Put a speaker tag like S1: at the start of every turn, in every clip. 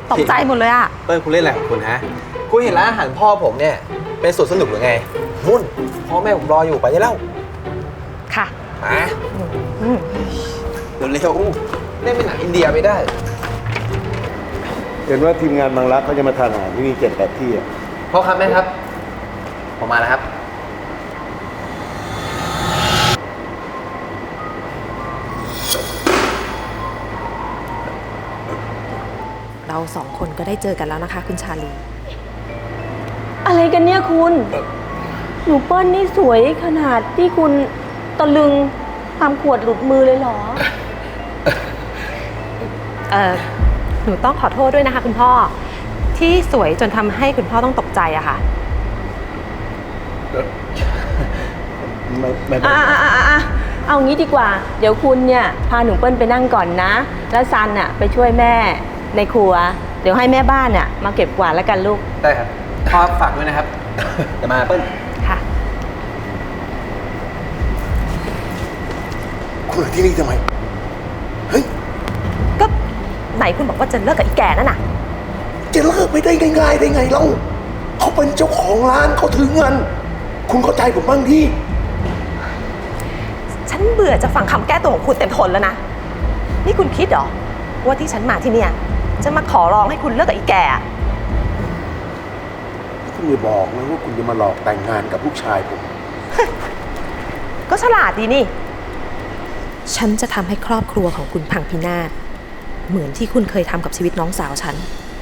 S1: ตกใจหมดเลยอะ
S2: เปิ้ลคุณเล่นอะไรของคุณฮะคุณเห็นร้านอาหารพ่อผมเนี่ยเป็นสวนสนุกหรือไงมุ่นพ่อแม่ผมรออยู่ไปได้แล้ว
S1: ค่ะ
S2: มาเร็วๆเล่นเป็นหนังอินเดียไม่ได้
S3: เห็นว่าทีมงานบางรักเขาจะมาทานอาหารที่นี่7-8 ที่อ่ะ
S2: พ่อครับแม่ครับผมมาแล้วครับ
S1: เรา2 คนก็ได้เจอกันแล้วนะคะคุณชาลี
S4: อะไรกันเนี่ยคุณหนูเปิ้ลนี่สวยขนาดที่คุณตะลึงทำขวดหลุดมือเลยเหรอ
S1: หนูต้องขอโทษด้วยนะคะคุณพ่อที่สวยจนทำให้คุณพ่อต้องตกใจอะค่ะ
S3: ไม่
S4: เอางี้ดีกว่าเดี๋ยวคุณเนี่ยพาหนูเปิ้ลไปนั่งก่อนนะแล้วซันน่ะไปช่วยแม่ในครัวเดี๋ยวให้แม่บ้านน่ะมาเก็บกวาดแล้วกันลูก
S2: ได้ครับพ่อฝากด้วยนะครับจะมาเปิ้ล
S1: ค่ะ
S3: คุณที่นี่ทำไมเฮ้ย
S1: ก็ไหนคุณบอกว่าจะเลิกกับอีแก่นั่นน่ะ
S3: จะเลิกไม่ได้ง่ายๆได้ไงเล่าเขาเป็นเจ้าของร้านเขาถือเงินคุณเข้าใจผมบ้างดิ
S1: ฉันเบื่อจะฟังคำแก้ตัวของคุณเต็มทนแล้วนะนี่คุณคิดเหรอว่าที่ฉันมาที่เนี่ยจะมาขอร้องให้คุณเลิกกับอีแก่
S3: คุณอย่าบอกนะว่าคุณจะมาหลอกแต่งงานกับลูกชายผม
S1: ก็ฉลาดดีนี่ฉันจะทำให้ครอบครัวของคุณพังพินาศเหมือนที่คุณเคยทำกับชีวิตน้องสาวฉัน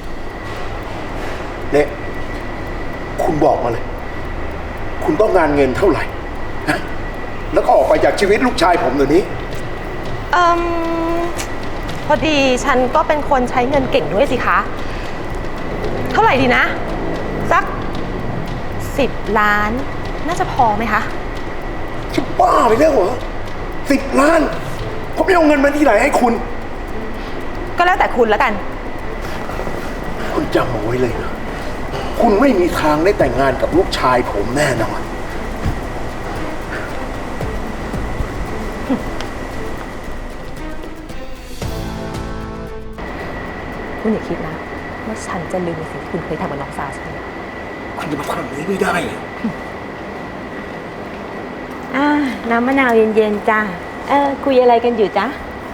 S3: เนี่ยคุณบอกมาเลยคุณต้องการเงินเท่าไหร่แล้วก็ออกไปจากชีวิตลูกชายผมเดี๋ยวนี้
S1: พอดีฉันก็เป็นคนใช้เงินเก่งด้วยสิคะเท่าไหร่ดีนะสัก10 ล้านน่าจะพอไหมคะ
S3: จะบ้าไปแล้วเหรอ10 ล้านผมไม่เอาเงินมาที่ไหนให้คุณ
S1: ก็แล้วแต่คุณแล้วกัน
S3: คุณจำเอาไว้เลยนะคุณไม่มีทางได้แต่งงานกับลูกชายผมแน่นอน
S1: คุณอย่าคิดนะว่าฉันจะลืมในสิ่งที่คุณเคยทำกับน้องสาวฉัน
S3: คุณจะมาทำอย่างนี้ไม่ได้
S4: น้ำมะนาวเย็นๆจ้าคุยอะไรกันอยู่จ๊ะ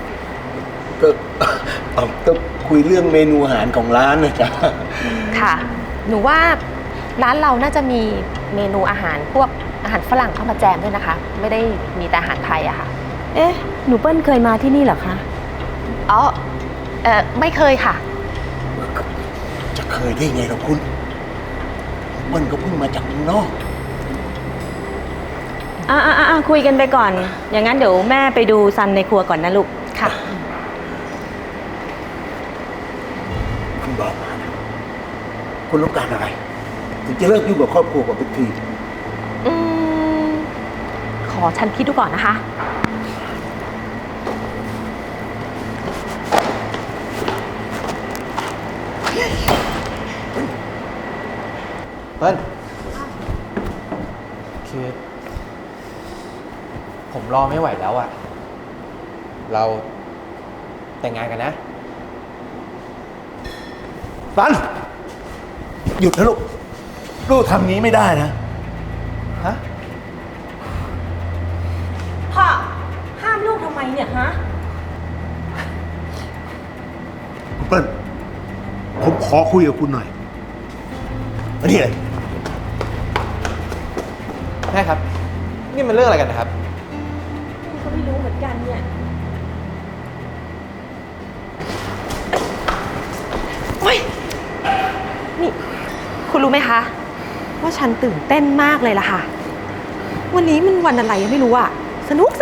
S3: ก็คุยเรื่องเมนูอาหารของร้านนะจ๊ะ
S1: ค่ะหนูว่าร้านเราน่าจะมีเมนูอาหารพวกอาหารฝรั่งเข้ามาแจมด้วยนะคะไม่ได้มีแต่อาหารไทยอะค่ะ
S4: หนูเปิ้ลเคยมาที่นี่เหรอคะ
S1: อ๋อไม่เคยค่ะ
S3: จะเคยได้ไงล่ะคุณมันก็เพิ่งมาจากเมืองนอก
S4: คุยกันไปก่อนอย่างนั้นเดี๋ยวแม่ไปดูซันในครัวก่อนนะลูก
S1: ค่ะ
S3: คุณบอกมานะคุณต้องการอะไรถึงจะเลิกยุ่งกับครอบครัวของทุกที
S1: ขอฉันคิดดูก่อนนะคะ
S2: เปิ้ลคือผมรอไม่ไหวแล้วอะเราแต่งงานกันนะ
S3: ซันหยุดนะลูกทำงี้ไม่ได้นะ
S2: ฮะ
S4: พ่อห้ามลูกทำไมเนี่ยฮะ
S3: คุณเปิ้ลผมขอคุยกับคุณหน่อยมานี่เลย
S2: แม่ครับนี่มันเรื่องอะไรกันนะครับ
S4: ก็ไม่รู้เหมือนกันเนี่ย
S1: โอ๊ยนี่คุณรู้ไหมคะว่าฉันตื่นเต้นมากเลยล่ะค่ะวันนี้มันวันอะไรยังไม่รู้อะสนุก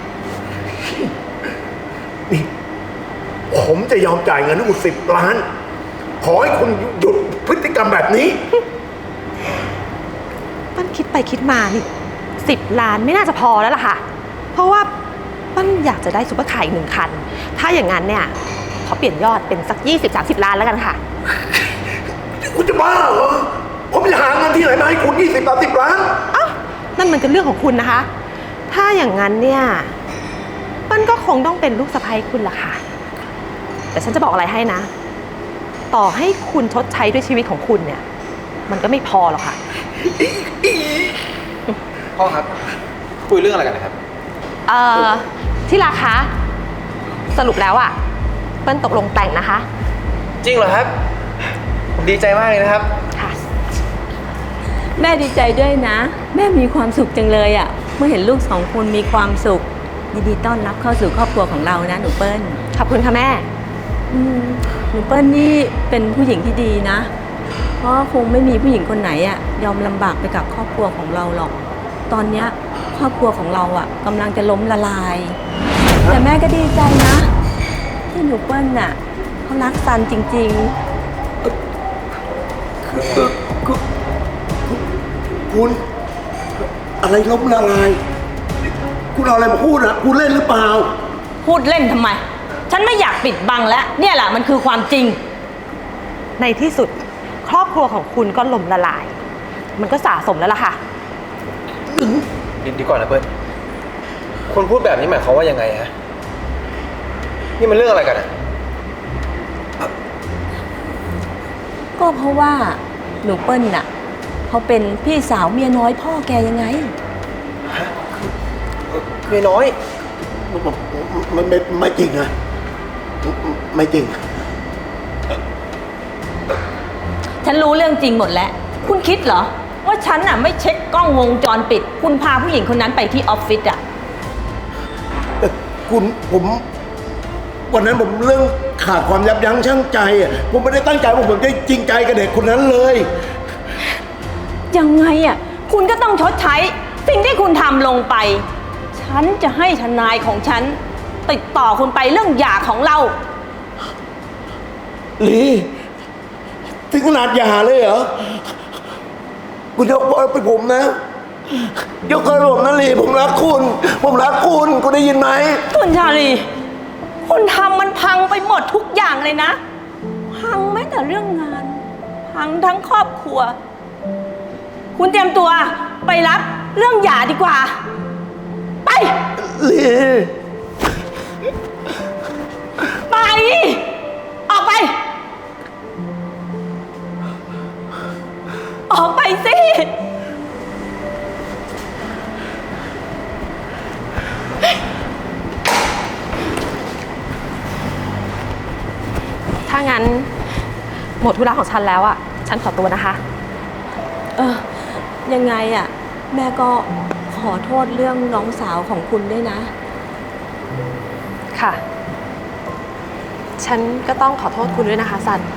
S3: นี่ผมจะยอมจ่ายเงินให้คุณ10 ล้านขอให้คุณหยุดพฤติกรรมแบบนี้
S1: ปั้นคิดไปคิดมานี่10 ล้านไม่น่าจะพอแล้วล่ะค่ะเพราะว่าปั้นอยากจะได้ซุปเปอร์คาร์อีก1 คันถ้าอย่างนั้นเนี่ยขอเปลี่ยนยอดเป็นสัก20-30 ล้านแล้วกันค่ะ
S3: คุณจะบ้าเหรอผมจะหาเงินที่ไหนมาให้คุณ20-30 ล้าน
S1: นั่นมันก็เรื่องของคุณนะคะถ้าอย่างนั้นเนี่ยปั้นก็คงต้องเป็นลูกสะใภ้คุณล่ะค่ะแต่ฉันจะบอกอะไรให้นะต่อให้คุณชดใช้ด้วยชีวิตของคุณเนี่ย มันก็ไม่พอหรอกค่ะ
S2: พ่อครับ คุยเรื่องอะไรกันนะครับ
S1: ที่รักคะสรุปแล้วอะเปิ้ลตกลงแต่งนะคะ
S2: จริงเหรอครับ ผมดีใจมากเลยนะครับ
S1: ค่ะ
S4: แม่ดีใจด้วยนะ แม่มีความสุขจังเลยอะเมื่อเห็นลูก2 คนมีความสุขยินดีต้อนรับเข้าสู่ครอบครัวของเรานะหนูเปิ้ล
S1: ขอบคุณค่ะแม่
S4: หนูเปิ้ลนี่เป็นผู้หญิงที่ดีนะ เพราะคงไม่มีผู้หญิงคนไหนอะยอมลำบากไปกับครอบครัวของเราหรอก ตอนเนี้ยครอบครัวของเราอะกำลังจะล้มละลาย แต่แม่ก็ดีใจนะ ที่หนูเปิ้ลน่ะเขารักซันจริง
S3: คุณอะไรล้มละลาย คุณเอาอะไรมาพูดอะคุณเล่นหรือเปล่า
S4: ๆ พูดเล่นทำไม ฉันไม่อยากปิดบังแล้ว เนี่ยแหละมันคือความจริง
S1: ในที่สุดครอบครัวของคุณก็ล่มละลาย มันก็สะสมแล้วล่ะค่ะ
S2: ดีก่อนนะเปิ้ลคุณพูดแบบนี้หมายความว่ายังไงฮะ นี่มันเรื่องอะไรกันอะ
S4: ก็เพราะว่าหนูเปิ้ลน่ะเขาเป็นพี่สาวเมียน้อยพ่อแกยังไง
S2: เมียน้อย
S3: มันไม่จริงนะไม่จริง
S4: ฉันรู้เรื่องจริงหมดแล้ว คุณคิดเหรอ ว่าฉันน่ะไม่เช็คกล้องวงจรปิด คุณพาผู้หญิงคนนั้นไปที่ออฟฟิศอ่ะ
S3: ผมวันนั้นผมเรื่องขาดความยับยั้งชั่งใจอ่ะผมไม่ได้ตั้งใจว่าผมจะจริงใจกับเด็กคนนั้นเลย
S4: ยังไงอ่ะ คุณก็ต้องชดใช้สิ่งที่คุณทำลงไป ฉันจะให้ทนายของฉัน ติดต่อคุณไปเรื่องหย่าของเรา
S3: ลีถึงขนาดหย่าเลยเหรอ คุณยกโทษไปผมนะ ยกโทษให้ผมนะลีผมรักคุณ ผมรักคุณคุณได้ยินไหม
S4: คุณชาลี คุณทำมันพังไปหมดทุกอย่างเลยนะ พังแม้แต่เรื่องงาน พังทั้งครอบครัว คุณเตรียมตัวไปรับเรื่องหย่าดีกว่า ไป
S3: ลี
S4: ไป ออกไป ออกไปสิ
S1: ถ้างั้นหมดธุระของฉันแล้วอะฉันขอตัวนะคะ
S4: ยังไงอ่ะ แม่ก็ขอโทษเรื่องน้องสาวของคุณด้วยนะ
S1: ค่ะ ฉันก็ต้องขอโทษคุณด้วยนะคะซัน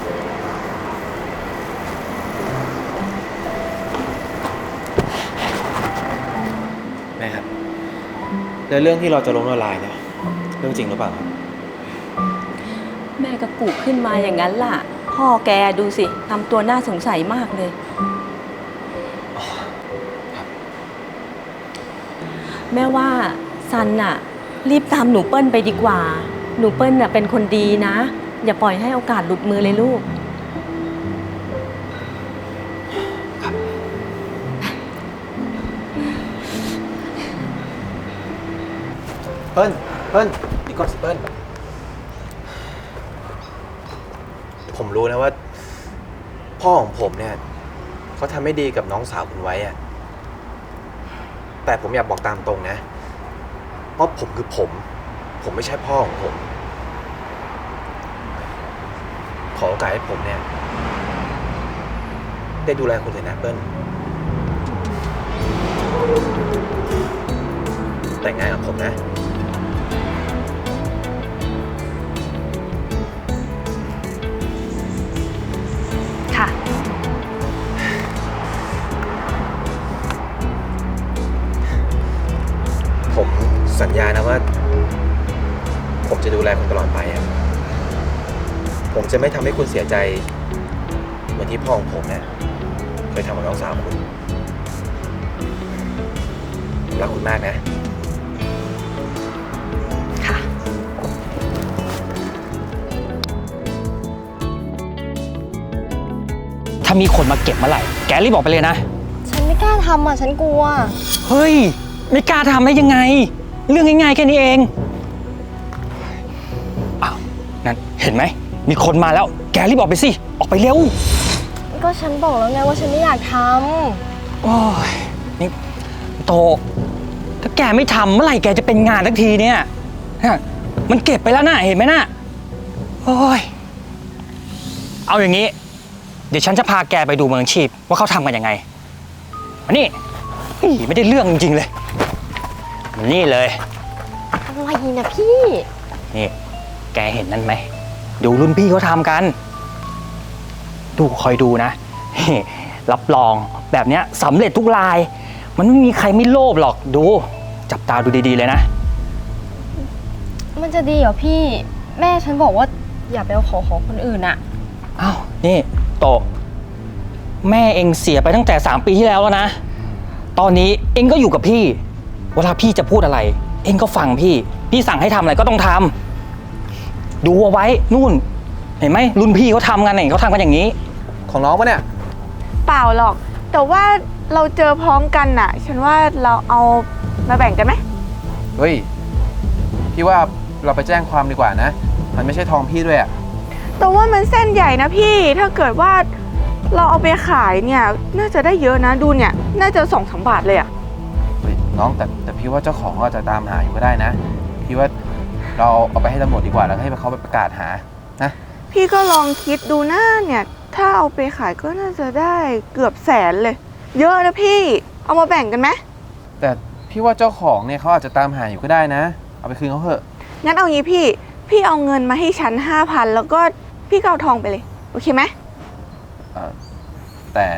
S2: แม่ครับ แล้วเรื่องที่เราจะล้มละลายเนี่ย เรื่องจริงหรือเปล่าครับ
S4: แม่ก็กุขึ้นมาอย่างนั้นล่ะ พ่อแกดูสิทำตัวน่าสงสัยมากเลย แม่ว่าซันน่ะ รีบตามหนูเปิ้ลไปดีกว่า หนูเปิ้ลน่ะเป็นคนดีนะ อย่าปล่อยให้โอกาสหลุดมือเลยลูก
S2: เปิ้ลดีก่อนสิเปิ้ลผมรู้นะว่า พ่อของผมเนี่ยเขาทำไม่ดีกับน้องสาวคุณไว้อะแต่ผมอยากบอกตามตรงนะว่าผมคือผมไม่ใช่พ่อของผม ขอโอกาสให้ผมเนี่ยได้ดูแลคุณเลยนะเปิ้ลแต่งงานกับผมนะ
S1: ค่ะ
S2: ผมสัญญานะว่า ผมจะดูแลคุณตลอดไปอะผมจะไม่ทำให้คุณเสียใจ เหมือนที่พ่อของผมเนี่ยเคยทำกับน้องสาวคุณผมรักคุณมากนะ
S1: ค่ะ
S5: ถ้ามีคนมาเก็บเมื่อไหร่ แกรีบบอกไปเลยนะ
S6: ฉันไม่กล้าทำอ่ะ ฉันกลัว
S5: เฮ้ย ไม่กล้าทำได้ยังไง เรื่องง่ายๆแค่นี้เอง อ้าว นั่น เห็นไหมมีคนมาแล้ว แกรีบออกไปสิ ออกไปเร็ว
S6: ก็ฉันบอกแล้วไงว่าฉันไม่อยากท
S5: โอ้ย นี่โต ถ้าแกไม่ทำเมื่อไหร่แกจะเป็นงานสักทีเนี่ยน่ะมันเก็บไปแล้วนะเห็นไหมน่ะ โอ้ย เอาอย่างนี้ เดี๋ยวฉันจะพาแกไปดูเมืองชีพว่าเขาทำกันยังไงมานี่ไม่ได้เรื่องจริงๆเลยมานี่เลย
S6: ำอะไรนะพี่
S5: นี่ แกเห็นนั่นไหม ดูรุ่นพี่เขาทำกัน ดูคอยดูนะ รับรองแบบเนี้ยสำเร็จทุกราย มันไม่มีใครไม่โลภหรอก ดู จับตาดูดีๆเลยนะ
S6: มันจะดีเหรอพี่ แม่ฉันบอกว่าอย่าไปเอาของคนอื่นอะ
S5: อ้าว นี่โตะแม่เองเสียไปตั้งแต่3 ปีที่แล้วนะ ตอนนี้เองก็อยู่กับพี่ เวลาพี่จะพูดอะไร เองก็ฟังพี่ พี่สั่งให้ทำอะไรก็ต้องทำ ดูเอาไว้ นู่น เห็นไหมรุ่นพี่เขาทำกันเนี่ยเขาทำกันอย่างนี้
S2: ของน้องปะเนี่ย
S7: เปล่าหรอก แต่ว่าเราเจอพร้อมกันน่ะ ฉันว่าเราเอามาแบ่งกันไหม
S2: เฮ้ย พี่ว่าเราไปแจ้งความดีกว่านะ มันไม่ใช่ทองพี่ด้วยอะ
S7: แต่ว่ามันเส้นใหญ่นะพี่ ถ้าเกิดว่าเราเอาไปขายเนี่ย น่าจะได้เยอะนะ ดูเนี่ย น่าจะ2-3 บาทเลยอะ
S2: เฮ้ยน้องแต่พี่ว่าเจ้าของก็จะตามหาอยู่ก็ได้นะ พี่ว่าเราเอาไปให้ตำรวจดีกว่าแล้วให้เขาไปประกาศหานะ
S7: พี่ก็ลองคิดดูนะเนี่ย ถ้าเอาไปขายก็น่าจะได้เกือบ100,000เลย เยอะนะพี่ เอามาแบ่งกันไหม
S2: แต่พี่ว่าเจ้าของเนี่ยเขาอาจจะตามหาอยู่ก็ได้นะ เอาไปคืนเขาเถอะ
S7: งั้นเอางี้พี่เอาเงินมาให้ฉัน 5,000 แล้วก็พี่ก็เอาทองไปเลย โอเคไหม
S2: แต่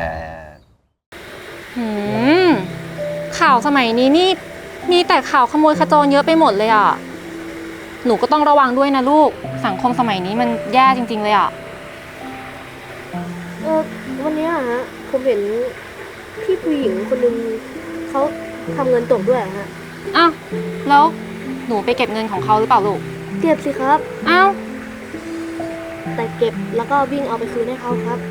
S8: ข่าวสมัยนี้นี่มีแต่ข่าวขโมยขโจรเยอะไปหมดเลยอ่ะ หนูก็ต้องระวังด้วยนะลูก สังคมสมัยนี้มันแย่จริงๆเลยอ่ะ
S6: วันนี้ฮะ ผมเห็นพี่ผู้หญิงคนนึงเขาทำเงินตกด้วยฮะ
S8: อ้าว แล้วหนูไปเก็บเงินของเขาหรือเปล่าลูก
S6: เก็บสิครับ
S8: อ้าว
S6: แต่เก็บแล้วก็วิ่งเอาไปคืนให้เขาครับ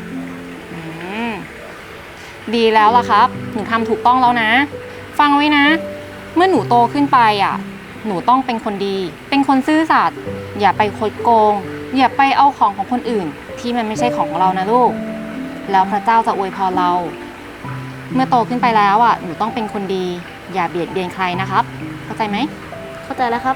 S8: ดีแล้วล่ะครับ หนูทำถูกต้องแล้วนะ ฟังไว้นะ เมื่อหนูโตขึ้นไปอ่ะ หนูต้องเป็นคนดี เป็นคนซื่อสัตย์ อย่าไปคดโกง อย่าไปเอาของของคนอื่น ที่มันไม่ใช่ของเรานะลูก แล้วพระเจ้าจะอวยพรเรา เมื่อโตขึ้นไปแล้วอ่ะ หนูต้องเป็นคนดี อย่าเบียดเบียนใครนะครับ เข้าใจไหม
S6: เข้าใจแล้วครับ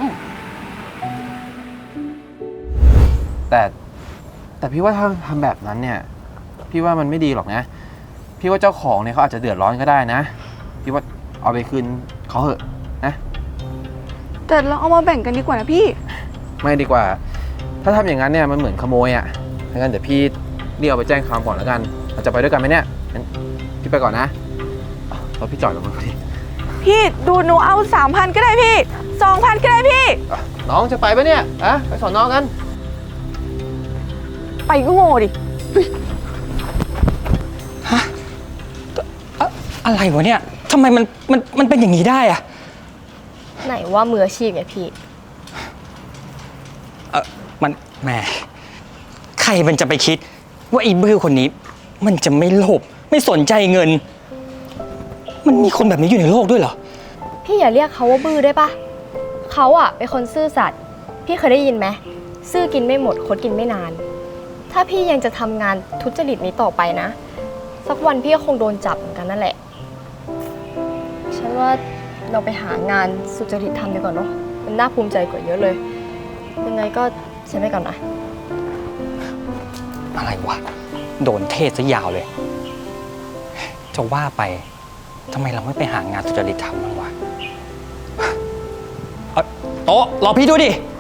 S2: แต่พี่ว่าถ้าทำแบบนั้นเนี่ย พี่ว่ามันไม่ดีหรอกนะ พี่ว่าเจ้าของเนี่ยเขาอาจจะเดือดร้อนก็ได้นะ พี่ว่าเอาไปคืนเขาเถอะนะ
S7: แต่เราเอามาแบ่งกันดีกว่านะพี่
S2: ไม่ดีกว่า ถ้าทำอย่างนั้นเนี่ยมันเหมือนขโมยอ่ะงั้นเดี๋ยวพี่เรียกเอาไปแจ้งความก่อนแล้วกัน เราจะไปด้วยกันไหมเนี่ยงั้นพี่ไปก่อนนะรถพี่จอดตรงนู้นพอดี
S7: พี่ดูหนูเอา 3,000 ก็ได้พี่ 2,000 ก็ได้พี่
S2: น้องจะไปปะเนี่ยอะไปสอนน้องกัน
S7: ไปก็โง่ดิ
S5: อะไรวะเนี่ยทำไมมันเป็นอย่างนี้ได้อะ
S6: ไหนว่ามืออาชีพไงพี่
S5: มันแหมใครมันจะไปคิดว่าไอ้บื้อคนนี้ มันจะไม่โลภไม่สนใจเงิน มันมีคนแบบนี้อยู่ในโลกด้วยเหรอ
S6: พี่อย่าเรียกเขาว่าบื้อได้ปะเขาอะเป็นคนซื่อสัตย์พี่เคยได้ยินไหมซื่อกินไม่หมดคดกินไม่นาน ถ้าพี่ยังจะทำงานทุจริตนี้ต่อไปนะ สักวันพี่ก็คงโดนจับเหมือนกันนั่นแหละ ฉันว่าเราไปหางานสุจริตทำดีกว่าเนาะมันน่าภูมิใจกว่าเยอะเลย ยังไงก็ฉันไปก่อนนะ
S5: อะไรวะ โดนเทศซะยาวเลย จะว่าไปทำไมเราไม่ไปหางานสุจริตทำบ้างวะโต๊ะรอพี่ด้วยดิ